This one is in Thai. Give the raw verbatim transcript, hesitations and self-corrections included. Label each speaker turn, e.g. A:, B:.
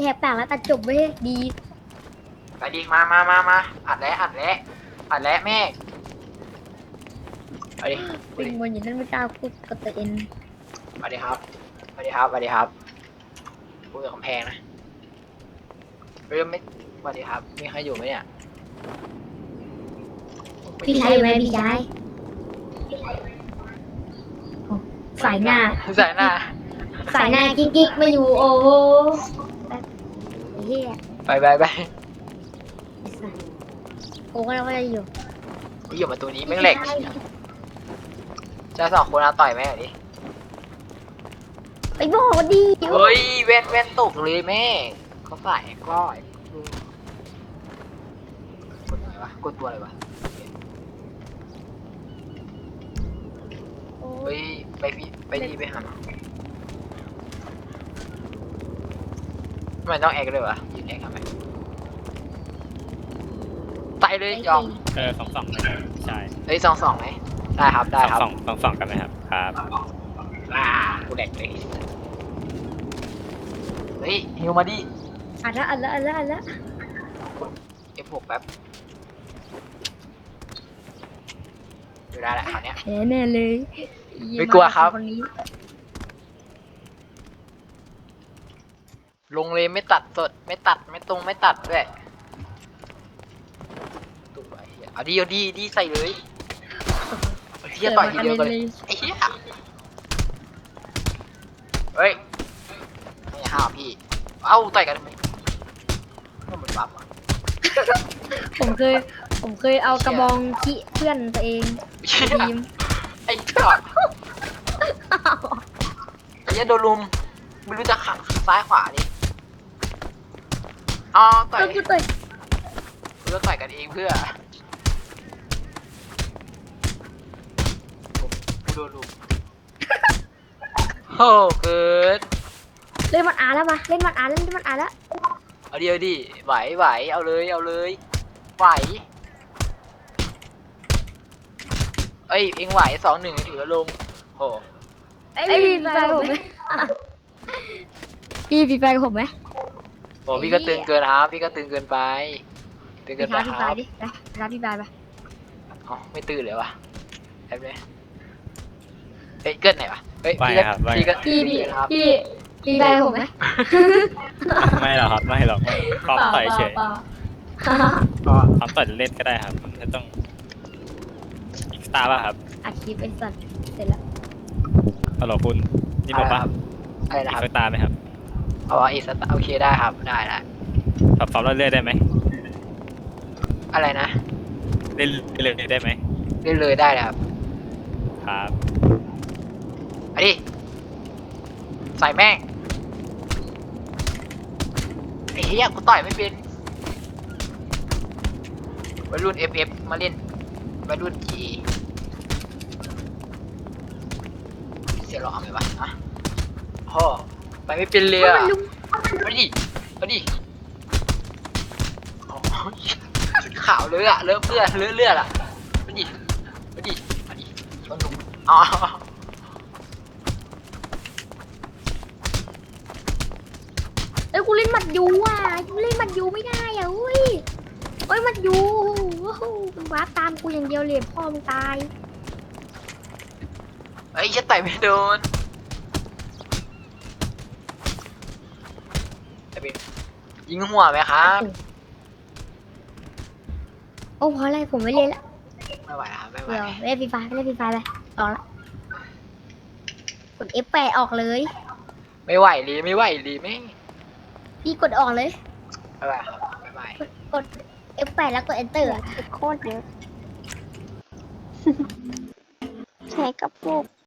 A: กปากแล้วตัดจบเว้ยดี
B: ไปดิมามามามาอัดแล้วอัดแล้วอัดแล้วแม่ไปดิไป
A: ปิง
B: ดิ
A: บนอยู่นั่นไม่กล้าพูดกับตัวเอง
B: ไปดิครับไปดิครับไปดิครับพูดกับกำแพงนะเริ่มไม่สวัสดีครับมีใครอยู่ไหมเนี่ย
A: พี่ชายอยู่ไหมพี่ชายโอ้สายหน้า
B: ใส่หน้า
A: สายหน้ากิ๊กกิ๊กไม่อยู่โอ้โหไอ้เหี้ย
B: ไปไปไป
A: ไอ้สัสกูก็ว่าจะอยู่
B: นี่อยู่มาตัวนี้แม่งเหล็กจะสองคนเอาต่อยแม่งหน่อยดิ
A: ไปบอกดี
B: เฮ้ยเว้นเว้นตกเลยแม่เขาใส่ก้อยกดอะไรวะกดตัวอะไรวะเฮ้ยไปพี่ไปดีไปหาทำไมต้องแอกเลยวะยืนแอกทำไมใส่เลยยอม
C: เออสองสองเลยครับใช่
B: เฮ้ยสองสองไหมได้ครับได้ครับ
C: สองสองสองกันไหมครับครับ
B: อ่ากูแดกเลยเฮ้ยฮิวมาดิ
A: อัดละอัดละอัดละอัดละ
B: เอฟหกแป๊บอยู่ได้แหละคราวเนี้ย
A: แพ้แน่เลย
B: ไม่กลัวครับ
A: คนนี้
B: ลงเลยไม่ตัดสดไม่ตัดไม่ตรงไม่ตัดด้วยตุ้มไปเหี้ยเอาดีเอาดีดีใส่เลยเฮียต่อยทีเดียวกันเลยไอ้เฮียเฮ้ยไม่ห้ามพี่เอ้าต่อยกันทำไมก็เหมือนบัฟอ่ะ
A: ผมเคย ผมเคยเอากระบองขี้เพื่อนตัวเอง
B: เชี่ย
A: ทีม
B: ไอ้จอดไอ้เหี้ยโดนลุมไม่รู้จะขังซ้ายขวาดิอ๋อต่อย
A: ก็กูต่อย
B: เพื่อต่อยกันเองเพื่อกูโดนลุมโอ้เกิน
A: เล่นมันอาแล้วมาเล่นมันอาเล่นมันอาแล้ว
B: เอาดีเอาดีไหวไหวเอาเลยเอาเลยไหวเอ้ยเอ็งไหวสองหนึ่งถือว่าลงโอ้
A: ไอ้พี่ปีไปผมไหมพี่ปีไปกับผมไหม
B: โหพี่ก็ตึงเกินครับพี่ก็ตึงเกินไปตึง
A: ไป
B: เกินไป
A: ท้าพี่
B: ค
A: ไป
B: รับ
A: ดิไปท้าพี่ไปไป
B: อ๋อไม่ตื่นเลยวะแอบเลยเฮ้ยเกินไหนวะเฮ้ย
C: ไม่
B: พี่ก็
C: ครับไม่
B: พี่ก็
A: พี่พี่
B: ครับ
A: พี่ปีไปกับผมไหม
C: ไม่หรอกครับไม่หรอกไม่พร้อมต่อยเฉย
A: ปล่า
B: อ๋อ
C: พร้อมต่อยเล่นก็ได้ครับไม่ต้องอีกสตาร์ป่ะครับ
A: อัดคลิปไอ้สัตว์เสร็จแล้ว
C: ฮัลโหลคุณนี่ผมป่ะ
B: อะไร
C: อี
B: นะ
C: ก
B: ครับ
C: สตาร์ไหมครับ
B: อ๋ออีสตาโอเคได้ครับได้ละ
C: ปรับซ้อมเรื่อยๆได้ไหม
B: อะไรนะ
C: เล่นเรื่อยๆได้ไหม
B: เล่นเลยได้เลยครับ
C: ครับ
B: อันนี้ใส่แม่งไอ้เหี้ยกูต่อยไม่เป็นวัยรุ่น เอฟ เอฟ มาเล่นวัยรุ่น จี เสียหลอกเลยวะอ่ะพ่อไปไม่เป็นเลยอ่ะมาดิมาดิโอ้ยขาวเลยอ่ะเลือดเลือดเลือดเลือดอ่ะมาดิมาดิมาดิชนหนุ่มอ๋อ
A: เอ้ยกูเล่นหมัดยูอ่ะกูเล่นหมัดยูไม่ได้อ่ะอุ้ยเอ้ยหมัดยูว้าวมันวาร์ปตามกูอย่างเดียวเลยพ่อมึงตาย
B: เอ้ยจะต่อยไม่โดนจะเป็นยิงหัวไหมครับ
A: โอ้เพราะอะไรผมไม่เล่นละ
B: ไม่ไหวครับไม่ไหว
A: เดี๋ยวเล่นฟรีไฟเล่นฟรีไฟไปออกละกด เอฟ แปด ออกเลย
B: ไม่ไหวเลยไม่ไหวเลยไม่
A: พี่กดออกเลย
B: ไม่ไหวครับไม่ไหว
A: กด เอฟ แปด แล้วกด enter อะโคตรเยอะ ใช้กับพวก